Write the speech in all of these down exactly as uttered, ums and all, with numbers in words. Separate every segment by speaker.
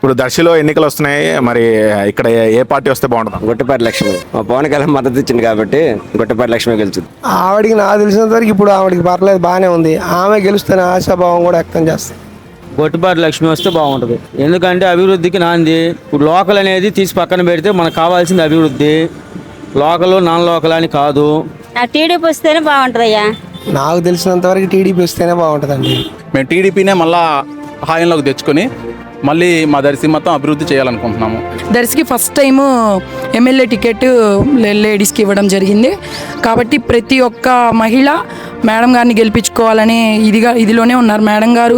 Speaker 1: ఇప్పుడు దర్శిలో ఎన్నికలు వస్తున్నాయి, మరి ఇక్కడ ఏ పార్టీ వస్తే బాగుంటుంది?
Speaker 2: గొట్టిపాటి లక్ష్మి మా పవన్ కళ్యాణ్ మద్దతు ఇచ్చింది కాబట్టి గొట్టిపాటి లక్ష్మి గెలుచుంది.
Speaker 3: ఆవిడికి నాకు తెలిసినంత వరకు ఇప్పుడు ఆవిడకి పర్లేదు, బాగానే ఉంది. ఆమె గెలుస్తున్న ఆశాభావం కూడా వ్యక్తం చేస్తాం.
Speaker 4: గొట్టిపాటి లక్ష్మి వస్తే బాగుంటుంది, ఎందుకంటే అభివృద్ధికి నాంది. ఇప్పుడు లోకల్ అనేది తీసి పక్కన పెడితే మనకు కావాల్సింది అభివృద్ధి, లోకల్ నాన్ లోకల్ అని కాదు.
Speaker 5: టీడీపీ వస్తేనే బాగుంటుంది అయ్యా.
Speaker 3: నాకు తెలిసినంత వరకు టీడీపీ వస్తేనే బాగుంటుందండి.
Speaker 6: మేము టీడీపీనే మళ్ళా హాయంలోకి తెచ్చుకొని మళ్ళీ మా దర్శి మొత్తం అభివృద్ధి చేయాలనుకుంటున్నాము.
Speaker 7: దర్శికి ఫస్ట్ టైము ఎమ్మెల్యే టికెట్ లేడీస్కి ఇవ్వడం జరిగింది కాబట్టి ప్రతి ఒక్క మహిళ మేడం గారిని గెలిపించుకోవాలని ఇదిగా ఇదిలోనే ఉన్నారు. మేడం గారు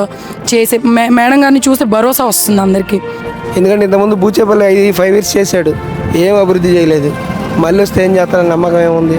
Speaker 7: చేసే మేడం గారిని చూసే భరోసా వస్తుంది అందరికీ.
Speaker 3: ఎందుకంటే ఇంతకుముందు బూచేపల్లి ఐదు ఫైవ్ ఇయర్స్ చేశాడు, ఏం అభివృద్ధి చేయలేదు. మళ్ళీ వస్తే ఏం చేస్తారని నమ్మకం ఏముంది?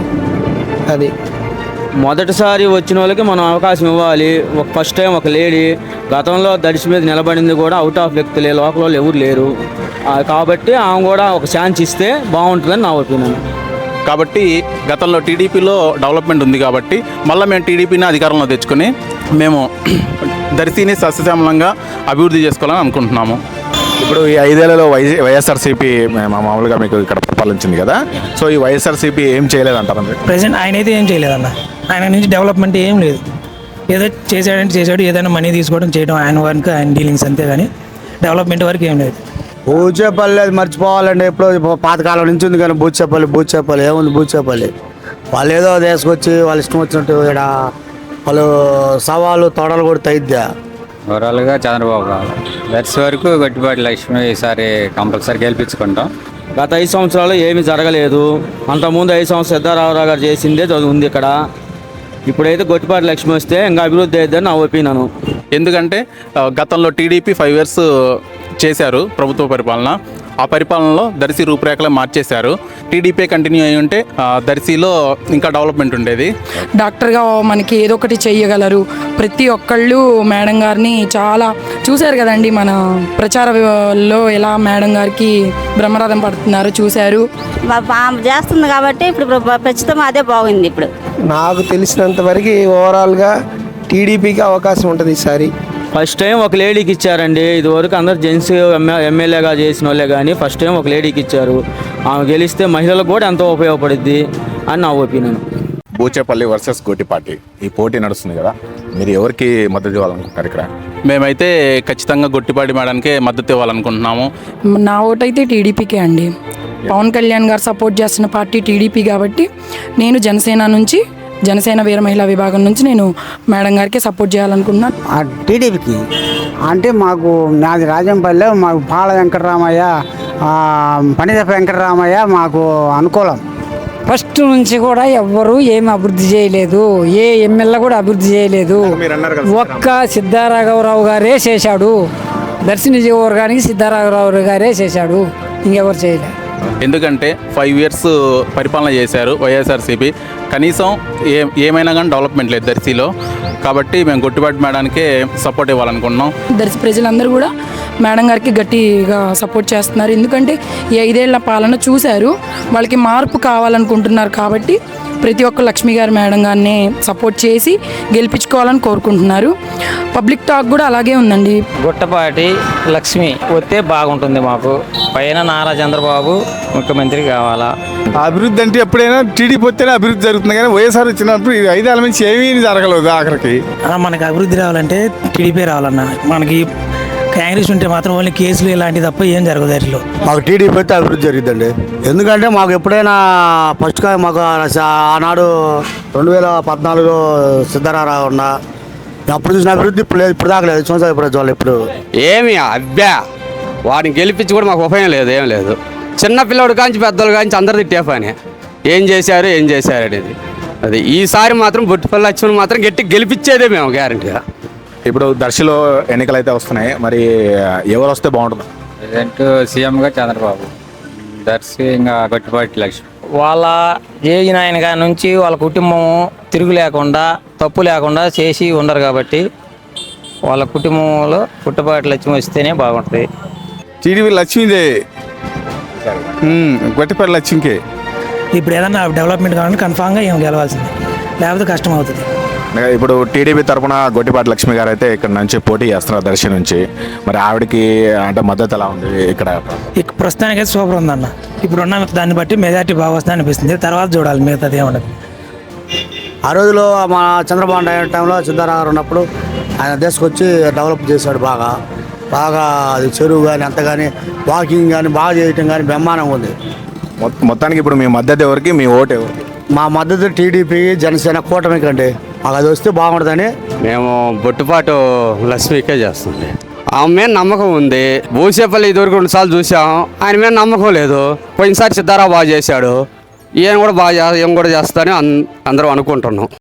Speaker 3: అది
Speaker 4: మొదటిసారి వచ్చిన వాళ్ళకి మనం అవకాశం ఇవ్వాలి. ఒక ఫస్ట్ టైం ఒక లేడీ గతంలో దర్శి మీద నిలబడింది కూడా అవుట్ ఆఫ్ వ్యక్తులే, లోకల్ వాళ్ళు ఎవరు లేరు కాబట్టి ఆమె కూడా ఒక ఛాన్స్ ఇస్తే బాగుంటుందని నా ఒపీనియన్.
Speaker 6: కాబట్టి గతంలో టీడీపీలో డెవలప్మెంట్ ఉంది కాబట్టి మళ్ళీ మేము టీడీపీని అధికారంలో తెచ్చుకొని మేము దర్శిని సస్యశ్యామలంగా అభివృద్ధి చేసుకోవాలని అనుకుంటున్నాము.
Speaker 1: ఇప్పుడు ఈ ఐదేళ్లలో వై వైఎస్ఆర్సీపీ మామూలుగా మీకు ఇక్కడ పరిపాలించింది కదా, సో ఈ వైఎస్ఆర్సీపీ ఏం చేయలేదంటారు?
Speaker 8: ప్రజెంట్ ఆయన అయితే ఏం చేయలేదన్న. ఆయన నుంచి డెవలప్మెంట్ ఏం లేదు. ఏదో చేసాడంటే చేశాడు, ఏదైనా మనీ తీసుకోవడం చేయడం ఆయన వరకు ఆయన డీలింగ్స్ అంతే, కానీ డెవలప్మెంట్ వరకు ఏం లేదు.
Speaker 9: బూచేపల్లి అది మర్చిపోవాలండి. ఎప్పుడో పాతకాలం నుంచి ఉంది కానీ బూచేపల్లి బూచేపల్లి ఏముంది? బూచేపల్లి వాళ్ళు ఏదో తీసుకొచ్చి వాళ్ళు ఇష్టం వచ్చినట్టు ఇక్కడ వాళ్ళు సవాలు తొడలు కూడా తగ్గిద్దా.
Speaker 10: ఓవరాల్గా చంద్రబాబు కావాలి. దర్శి వరకు గొట్టిపాటి లక్ష్మి ఈసారి కంపల్సరీ గెలిపించుకుంటాం.
Speaker 4: గత ఐదు సంవత్సరాలు ఏమీ జరగలేదు. అంతకుముందు ఐదు సంవత్సరాలు సిద్ధారామరావు గారు చేసిందే ఉంది ఇక్కడ. ఇప్పుడైతే గొట్టిపాటి లక్ష్మి వస్తే ఇంకా అభివృద్ధి అవుతుందని నా ఒపీనియన్.
Speaker 6: ఎందుకంటే గతంలో టీడీపీ ఫైవ్ ఇయర్స్ చేశారు ప్రభుత్వ పరిపాలన. ఆ పరిపాలనలో దర్శి రూపురేఖలు మార్చేశారు. టీడీపీ కంటిన్యూ అయి ఉంటే దర్శిలో ఇంకా డెవలప్మెంట్ ఉండేది.
Speaker 7: డాక్టర్గా మనకి ఏదో ఒకటి చెయ్యగలరు. ప్రతి ఒక్కళ్ళు మేడం గారిని చాలా చూశారు కదండి, మన ప్రచారంలో ఎలా మేడం గారికి బ్రహ్మరథం పడుతున్నారో చూశారు.
Speaker 5: చేస్తుంది కాబట్టి ఇప్పుడు ప్రస్తుతం అదే బాగుంది. ఇప్పుడు
Speaker 3: నాకు తెలిసినంత వరకు ఓవరాల్గా టీడీపీకి అవకాశం ఉంటుంది ఈసారి.
Speaker 4: ఫస్ట్ టైం ఒక లేడీకి ఇచ్చారండి. ఇదివరకు అందరు జెంట్స్ ఎమ్మెల్యేగా చేసిన వాళ్ళే కానీ ఫస్ట్ టైం ఒక లేడీకి ఇచ్చారు. ఆమె గెలిస్తే మహిళలకు కూడా ఎంతో ఉపయోగపడుద్ది అని నా ఒపీనియన్.
Speaker 1: బూచేపల్లి వర్సెస్ గొట్టిపాటి ఈ పోటీ నడుస్తుంది కదా, మీరు ఎవరికి మద్దతు ఇవ్వాలనుకుంటారు ఇక్కడ?
Speaker 6: మేమైతే ఖచ్చితంగా గొట్టిపాటి మేడానికే మద్దతు ఇవ్వాలనుకుంటున్నాము.
Speaker 7: నా ఓటైతే టీడీపీకే అండి. పవన్ కళ్యాణ్ గారు సపోర్ట్ చేస్తున్న పార్టీ టీడీపీ కాబట్టి నేను జనసేన నుంచి జనసేన వీర మహిళా విభాగం నుంచి నేను మేడం గారికి సపోర్ట్ చేయాలనుకుంటున్నాను.
Speaker 9: టీడీపీకి అంటే మాకు నాది రాజంపల్లె, మాకు పాల వెంకటరామయ్య పనిదప్ప వెంకటరామయ్య మాకు అనుకూలం.
Speaker 11: ఫస్ట్ నుంచి కూడా ఎవ్వరూ ఏమి అభివృద్ధి చేయలేదు, ఏ ఎమ్మెల్యే కూడా అభివృద్ధి చేయలేదు. ఒక్క సిద్ధారాఘవరావు గారే చేశాడు. దర్శి నియోజకవర్గానికి సిద్ధారాఘవరావు గారే చేశాడు, ఇంకెవరు చేయలేదు.
Speaker 6: ఎందుకంటే ఫైవ్ ఇయర్స్ పరిపాలన చేశారు వైఎస్ఆర్సీపీ. కనీసం ఏ ఏమైనా కానీ డెవలప్మెంట్ లేదు దర్శిలో. కాబట్టి మేము గొట్టిపాటి మేడానికే సపోర్ట్ ఇవ్వాలనుకుంటున్నాం.
Speaker 7: దర్శి ప్రజలందరూ కూడా మేడం గారికి గట్టిగా సపోర్ట్ చేస్తున్నారు. ఎందుకంటే ఈ ఐదేళ్ల పాలన చూశారు, వాళ్ళకి మార్పు కావాలనుకుంటున్నారు. కాబట్టి ప్రతి ఒక్క లక్ష్మి గారు మేడం గారిని సపోర్ట్ చేసి గెలిపించుకోవాలని కోరుకుంటున్నారు. పబ్లిక్ టాక్ కూడా అలాగే ఉందండి.
Speaker 4: గొట్టపాటి లక్ష్మి వస్తే బాగుంటుంది. మాకు పైన నారా చంద్రబాబు ముఖ్యమంత్రి కావాలా.
Speaker 9: అభివృద్ధి అంటే ఎప్పుడైనా టీడీపీ వస్తేనే అభివృద్ధి జరుగుతుంది, కానీ వైఎస్ఆర్ వచ్చినప్పుడు ఐదేళ్ళ నుంచి ఏమీ జరగలేదు. ఆఖరికి
Speaker 8: మనకి అభివృద్ధి రావాలంటే టీడీపీ రావాలన్న. మనకి కాంగ్రెస్ ఉంటే మాత్రం ఓన్లీ కేసులు ఇలాంటివి తప్ప ఏం జరగదు వాటిలో.
Speaker 9: మాకు టీడీపీ అయితే అభివృద్ధి జరిగిద్దండి. ఎందుకంటే మాకు ఎప్పుడైనా ఫస్ట్గా మాకు ఆనాడు రెండు వేల పద్నాలుగులో సిద్ధరారావు ఉన్న అప్పుడు చూసిన అభివృద్ధి ఇప్పుడు లేదు, ఇప్పుడు దాకా లేదు. సంవత్సరాలు ఇప్పుడు వాళ్ళు ఇప్పుడు
Speaker 2: ఏమి అబ్బా వాడిని గెలిపించి కూడా మాకు ఉపయోగం లేదు, ఏం లేదు. చిన్న పిల్లడు కాంచి పెద్దోళ్ళు కాంచి అందరు తిట్టే పని ఏం చేశారు ఏం చేశారు అనేది. అది ఈసారి మాత్రం బొట్టిపల్లి లక్ష్మణ్ మాత్రం గట్టి గెలిపించేదే మేము గ్యారంటీగా.
Speaker 1: ఇప్పుడు దర్శిలో ఎన్నికలు అయితే వస్తున్నాయి, మరి ఎవరు వస్తే బాగుంటుంది?
Speaker 10: ప్రజెంట్ సీఎంగా చంద్రబాబు, దర్శి ఇంకా గొట్టిపాటి లక్ష్మి.
Speaker 4: వాళ్ళ ఏగిన ఆయన కాడ నుంచి వాళ్ళ కుటుంబం తిరుగు లేకుండా తప్పు లేకుండా చేసి ఉండరు కాబట్టి వాళ్ళ కుటుంబంలో పుట్టపాటి లక్ష్మి వస్తేనే బాగుంటుంది.
Speaker 9: టీడీపీ లక్ష్మీదే, గొట్టిపాటి లక్ష్మికే.
Speaker 8: ఇప్పుడు ఏదన్నా డెవలప్మెంట్ కావాలంటే కన్ఫామ్గా ఏం గెలవాల్సిందే, లేకపోతే కష్టం అవుతుంది.
Speaker 1: ఇప్పుడు టీడీపీ తరపున గొట్టిపాటి లక్ష్మి గారు అయితే ఇక్కడ నుంచి పోటీ చేస్తున్నారు దర్శి నుంచి. మరి ఆవిడకి అంటే మద్దతు ఎలా ఉంది ఇక్కడ?
Speaker 8: ఇక ప్రస్తుతానికైతే సూపర్ ఉందన్న. ఇప్పుడున్న దాన్ని బట్టి మెజార్టీ బాగా వస్తుంది అనిపిస్తుంది. తర్వాత చూడాలి మిగతాది ఏమన్నది.
Speaker 9: ఆ రోజులో మా చంద్రబాబు నాయుడు టైంలో సిద్ధారామయ్య గారు ఉన్నప్పుడు ఆయన తీసుకొచ్చి డెవలప్ చేశాడు బాగా బాగా అది చెరువు కానీ అంత కానీ వాకింగ్ కానీ బాగా చేయటం కానీ బ్రహ్మాండంగా ఉంది.
Speaker 1: మొత్త- మొత్తానికి ఇప్పుడు మీ మద్దతు ఎవరికి, మీ ఓటు ఎవరికి?
Speaker 9: మా మద్దతు టీడీపీ జనసేన కూటమి కండి. మాకు అది వస్తే బాగుంటుందని.
Speaker 2: మేము బొట్టుపాటు లక్ష్మికే చేస్తుంది. ఆమె మీద నమ్మకం ఉంది. భూసేపల్లి ఇదివరకు రెండు సార్లు చూసాం, ఆయన మీద నమ్మకం లేదు. పోయినసారి సిద్ధారావు బాగా చేశాడు, ఈయన కూడా బాగా చే- ఈయన కూడా చేస్తానని అన్- అందరం అనుకుంటున్నాం.